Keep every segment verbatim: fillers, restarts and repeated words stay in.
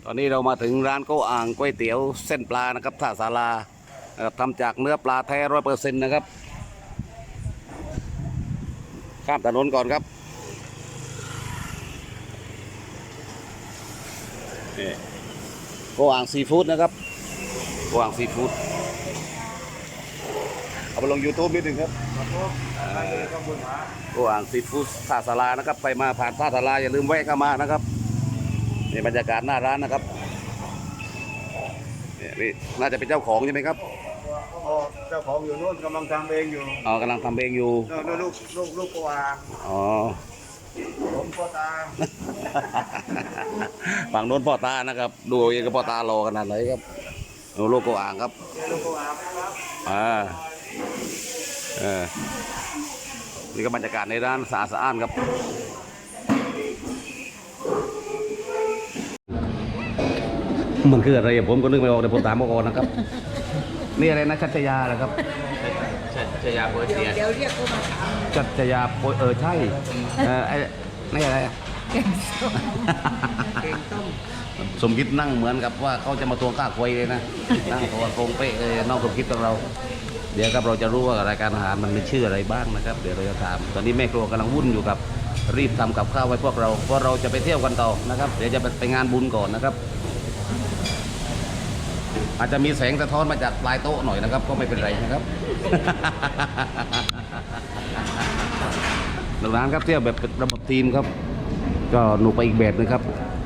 ตอนนี้เรามาถึงร้านโกอ่างก๋วยเตี๋ยวเส้นปลานะครับท่าศาลานะครับทำจากเนื้อปลาแท้ร้อยเปอร์เซ็นต์นะครับข้ามถนนก่อนครับนี่โกอ่างซีฟู้ดนะครับโกอ่างซีฟู้ดเอาไปลง ยูทูบ นิดหนึ่งครับโกอ่างซีฟู้ดท่าศาลานะครับไปมาผ่านท่าศาลาอย่าลืมแวะเข้ามานะครับนี่บรรยากาศหน้าร้านนะครับนี่น่าจะเป็นเจ้าของใช่ไหมครับเจ้าของอยู่นู่นกำลังทำเองอยู่อ๋อกำลังทำเองอยู่นู่นลูกลูกลูกกวางอ๋อผมพ่อตาฝั่งโน้นพ่อตานะครับดูเองกับพ่อตารอขนาดไหนครับดูลูกกวางครับลูกกวางครับอ่าเออนี่ก็บรรยากาศในร้านสะอาดสะอ้านครับมันคืออะไรผมก็นึกไม่ออกเดี๋ยวผมตามมาก่อนนะครับนี่อะไรนะชัชยาเหรอครับชัชยาโปรเตียเดี๋ยวเรียกเขามาถามชัชยาโปเออใช่เออไอ้นี่อะไรแกงส้มแกงต้มสมคิดนั่งเหมือนกับว่าเขาจะมาทวงค่าควยเลยนะนั่งตัวโกงเป๊ะเลยน้องสมคิดของเราเดี๋ยวครับเราจะรู้ว่ารายการอาหารมันมีชื่ออะไรบ้างนะครับเดี๋ยวเราจะถามตอนนี้แม่ครัวกำลังวุ่นอยู่กับรีบทำกับข้าวไว้พวกเราเพราะเราจะไปเที่ยวกันต่อนะครับเดี๋ยวจะไปงานบุญก่อนนะครับอาจจะมีแสงสะท้อนมาจากปลายโต๊ะหน่อยนะครับก็ไม่เป็นไรนะครับหลังร้านครับเที่ยวแบบระบบทีมครับก็หนูไปอีกแบบนึงครับ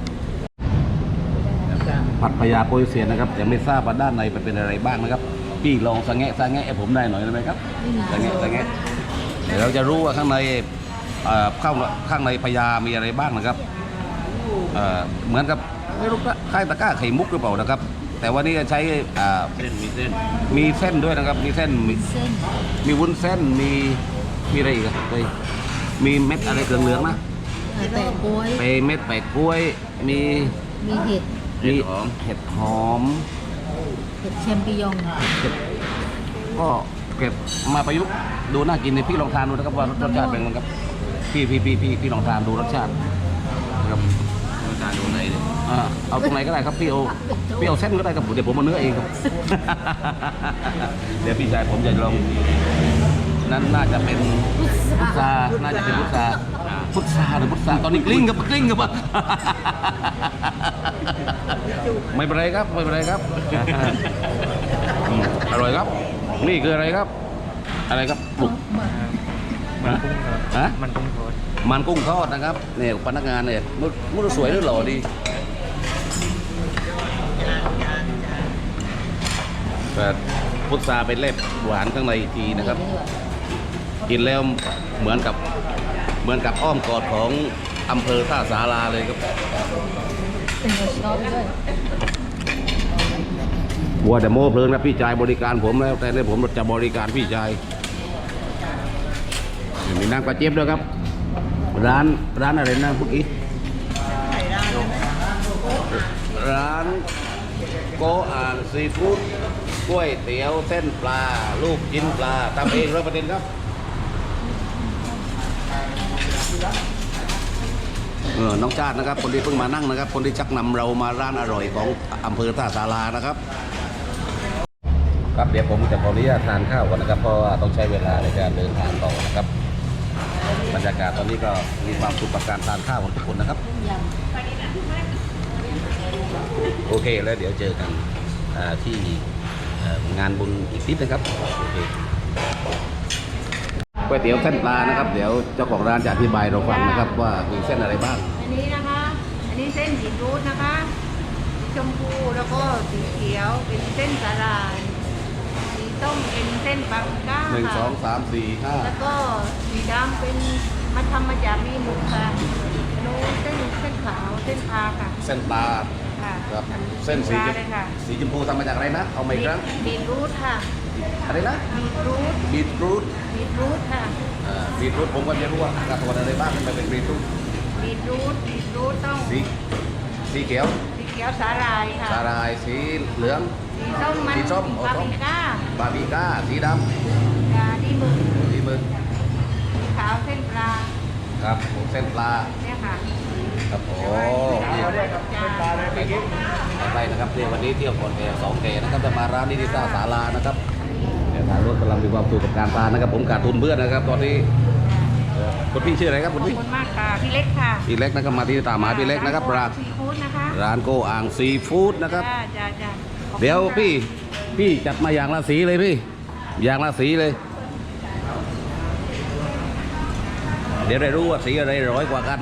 ผัดพญาโปยเสียนนะครับยังไม่ทราบว่าด้านในมันเป็นอะไรบ้างนะครับพี่ลองสังเกตสังเกตผมได้หน่อยได้ไหมครับสังเกตสังเกตเดี๋ยวเราจะรู้ว่าข้างในข้างข้างในพญามีอะไรบ้างนะครับเหมือนกับไม่รู้ว่าคล้ายตะกร้าไข่มุกหรือเปล่านะครับแต่ว่านี่จะใช้เส้นมีเส้นมีเส้นด้วยนะครับมีเส้นมีมีวุ้นเส้นมีมีอะไรอีกเลยมีเม็ดอะไรเหลืองๆนะแปะกล้วยไปเม็ดแปะกล้วยมีมีเห็ดมีเห็ดหอมเห็ดแชมปิญองก็เก็บมาประยุกต์ดูน่ากินในพี่ลองทานดูนะครับว่ารสชาติเป็นไงครับพี่พี่พี่พี่พี่ลองทานดูรสชาตินะครับรสชาติดูไหนเลยอ่าเอาตรงไหนก็ได้ครับพี่เอาพี่เอาเส้นก็ได้ครับเดี๋ยวผมเอาเนื้อเองครับเดี๋ยวพี่ชายผมจะลองนั้นน่าจะเป็นพุทราน่าจะเป็นพุทราพุทราหรือพุทราตอนนี้กลิ้งกับกลิ้งกับอ่ะไม่เป็นไรครับไม่เป็นไรครับอร่อยครับนี่คืออะไรครับอะไรครับปลุกมันกุ้งทอดมันกุ้งทอดนะครับเนี่ยพนักงานเนี่ยมุดสวยหรือหล่อดีแต่พุทราเป็นเล็บหวานข้างในอีกทีนะครับกินแล้วเหมือนกับเหมือนกับอ้อมกอดของอำเภอท่าศาลาเลยครับเป็นรสชอบด้วยวัวแต่โม่เพลินนะพี่ชายบริการผมแล้วแต่เนี่ยผมจะบริการพี่ชายมีน้ำกระเจี๊ยบด้วยครับร้านร้านอะไรนะพวกนี้ร้านโกอ่างซีฟู้ดกล้วยเตี๋ยวเส้นปลาลูกชิ้นปลาทำเองร้อยเปอร์เซ็นต์ครับเออน้องชาตินะครับคนที่เพิ่งมานั่งนะครับคนที่ชักนำเรามาร้านอร่อยของอำเภอท่าศาลานะครับครับเดี๋ยวผมจะขออนุญาตทานข้าวก่อนนะครับเพราะว่าต้องใช้เวลาในการเดินทางต่อนะครับบรรยากาศตอนนี้ก็มีความสุขกับการทานข้าวของทุกคนนะครับโอเคแล้วเดี๋ยวเจอกันที่งานบุญอีกนิดนะครับโอเคก๋วยเตี๋ยวเส้นปลานะครับเดี๋ยวเจ้าของร้านจะอธิบายเราฟังนะครับว่ามีเส้นอะไรบ้างอันนี้นะคะอันนี้เส้นบีทรูทนะคะสีชมพูแล้วก็สีเขียวเป็นเส้นสาหร่ายสีต้มเป็นเส้นปังก้าหนึ่งสองสามสี่ห้าแล้วก็สีดำเป็นมาทำมาจากมีหมูค่ะโน้เส้นเส้นขาวเส้นปลาค่ะเส้นปลาครับเส้นสีสีชมพูทำมาจากอะไรนะเอาใหม่ครั้งบีทรูทค่ะอะไรนะบีทรูทบีทรูทบีทรูทค่ะบีทรูทผมก็จะรู้ว่าการตัวอะไรบ้างมันเป็นบีทรูทบีทรูทบีทรูทต้องสีสีเขียวสีเขียวสาหร่ายค่ะสาหร่ายสีเหลืองสีส้มมันสีส้มบาบิก้าบาบิก้าสีดำดีมึกดีมึกสีขาวเส้นปลาครับเส้นปลาเนี่ยค่ะครับโอ้เส้นปลาเลยเมื่อกี้นะครับเที่ยววันนี้เที่ยวก่อนแก่สองแก่นะครับจะมาร้านนิติศาสตร์ศาลานะครับเดี๋ยวทางรถกำลังมีความสุขกับการทานนะครับ ผมขาดทุนเพื่อนนะครับ ตอนนี้เอ่อคุณพี่ชื่ออะไรครับขคุอบณพี่คุณมากค่ะพี่เล็กค่ะพี่เล็กนะครับมาที่ตามหาพี่เล็กนะครับร้านซีฟู้ดนะคะร้านโกอ่างซีฟู้ดนะครับจ้าจ้าจ้าขอบคุณเดี๋ยวค่ะพี่พี่จัดมาอย่างละสีเลยพี่อย่างละสีเลย เดี๋ยวได้รู้ว่าสีอะไรร้อยกว่ากัน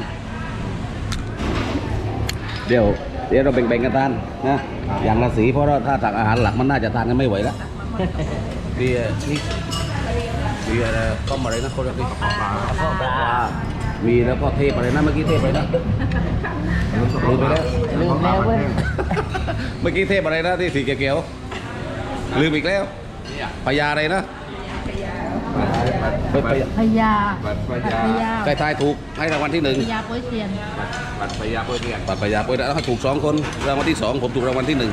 เดี๋ยวเดี๋ยวเราแบ่งๆกันทานนะอย่างละสีเพราะว่าถ้าตักอาหารหลักมันน่าจะทานกันไม่ไหวแล้วพี่เอ่อนี่พี่อะไรต้มอะไรนะคนละพี่ปลาปลาปลามีแล้วก็เทปอะไรนะเมื่อกี้เทปอะไรนะลืมไปแล้วลืมแล้วเว้ยเมื่อกี้เทปอะไรนะที่สีเขียวๆลืมอีกแล้วพญาอะไรนะพญาพญาบัตรพพยาญาใกล้ทายถูกให้รางวัลที่หนึ่งพญาโป้ยเซียนบัตรพยาเพื่อเรียนปัดพญาไปแล้วให้ถูกสองคนรางวัลที่สองผมถูกรางวัลที่หนึ่ง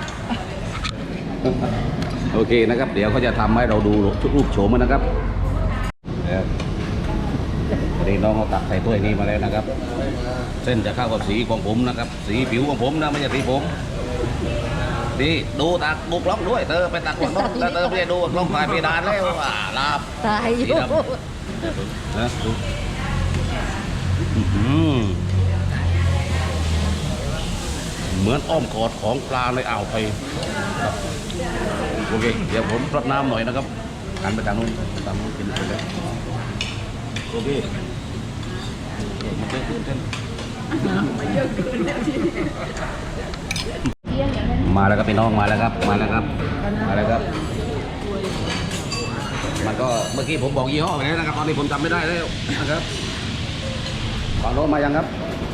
โอเคนะครับ เดี๋ยวเขาจะทำให้เราดูรูปโฉมมันนะครับเนี่ยวันนี้น้องเขาตักใส่ถ้วยนี้มาแล้วนะครับ เส้นจะเข้ากับสีของผมนะครับ สีผิวของผมนะไม่ใช่สีผมดีดูตักบุกล้องด้วยเธอไปตักกล้องน้องแล้วเธอไม่ได้ดูกล้องถ่ายเพดานแล้วอ่าลาบตายอสียู่ดำนะดูอื้อหือเหมือนอ้อมกอดของปลาในอ่าวไทยครับโอเคเดี๋ยวผมรดน้ำหน่อยนะครับหันไปทางนู้นทางนู้นกินไปแล้วโอเคมันเยอะขึ้นเส้นมาแล้วครับพี่น้องมาแล้วครับมาแล้วครับมาแล้วครับ มันก็เมื่อกี้ผมบอกยี่ห้อไปแล้วนะครับตอนนี้ผมจำไม่ได้แล้วนะครับฝั่งโน้นมายังครับ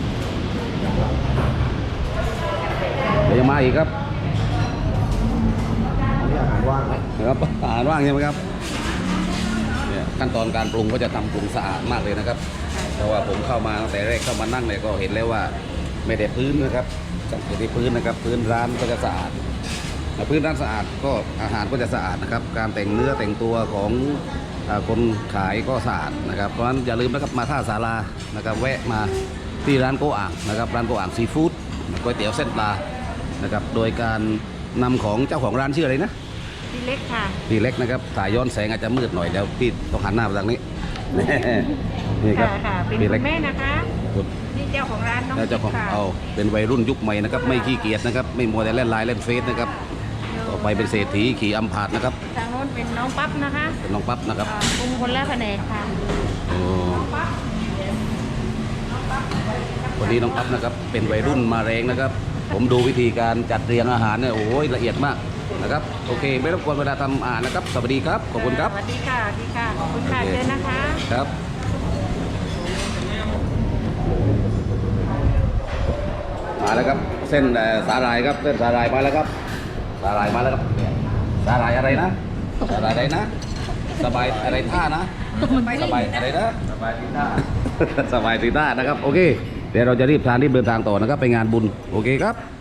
เดี๋ยวยังมาอีกครับอาหารว่างไหมครับอาหารว่างใช่ไหมครับเนี่ยขั้นตอนการปรุงก็จะทำปรุงสะอาดมากเลยนะครับเพราะว่าผมเข้ามาตั้งแต่แรกเข้ามานั่งเนี่ยก็เห็นแล้วว่าไม่ได้พื้นนะครับสังเกตที่พื้นนะครับพื้นร้านก็จะสะอาดพื้นร้านสะอาดก็อาหารก็จะสะอาดนะครับการแต่งเนื้อแต่งตัวของอ่าคนขายก็สะอาดนะครับเพราะฉะนั้นอย่าลืมนะครับมาท่าศาลานะครับแวะมาที่ร้านโกอ่างนะครับร้านโกอ่างซีฟู้ดก๋วยเตี๋ยวเส้นปลานะครับโดยการนำของเจ้าของร้านชื่ออะไรนะพี่เล็กค่ะพี่เล็กนะครับถ่ายย้อนแสงอาจจะมืดหน่อยเดี๋ยวพี่ต้องหันหน้าไปทางนี้ นี่ครับค่ะค่ะเป็นพี่คุเล็กณแม่นะคะคุณนี่เจ้าของร้านน้องแล้วเจ้าของค่ะเอาเป็นวัยรุ่นยุคใหม่นะครับไม่ขี้เกียจนะครับไม่มัวแต่เล่นไลน์เล่นเฟซนะครับต่อไปเป็นเศรษฐีขี่อัมพาตนะครับทางโน้นเป็นน้องปั๊บนะคะเป็นน้องปั๊บนะครับอ่าปรุงคนละแผนกค่ะโอ้วันนี้น้องปั๊บนะครับเป็นวัยรุ่นมาแรงนะครับ ผมดูวิธีการจัดเรียงอาหารเนี่ยโอ้ยละเอียดมากนะครับโอเคไม่รบกวนเวลาทำอาหารนะครับสวัสดีครับขอบคุณครับสวัสดีค่ะสวัสดีค่ะขอบคุณค่ะโอเคเชิญนะคะครับมาแล้วครับเส้นเอ่อสาหร่ายครับเส้นสาหร่ายมาแล้วครับสาหร่ายมาแล้วครับสาหร่ายอะไรนะสาหร่ายอะไรนะ สบายอะไรท่านะสบายอะไรนะสบายทีท่า สบายทีท่านะครับโอเคเดี๋ยวเราจะรีบทานรีบเดินทางต่อนะครับไปงานบุญโอเคครับ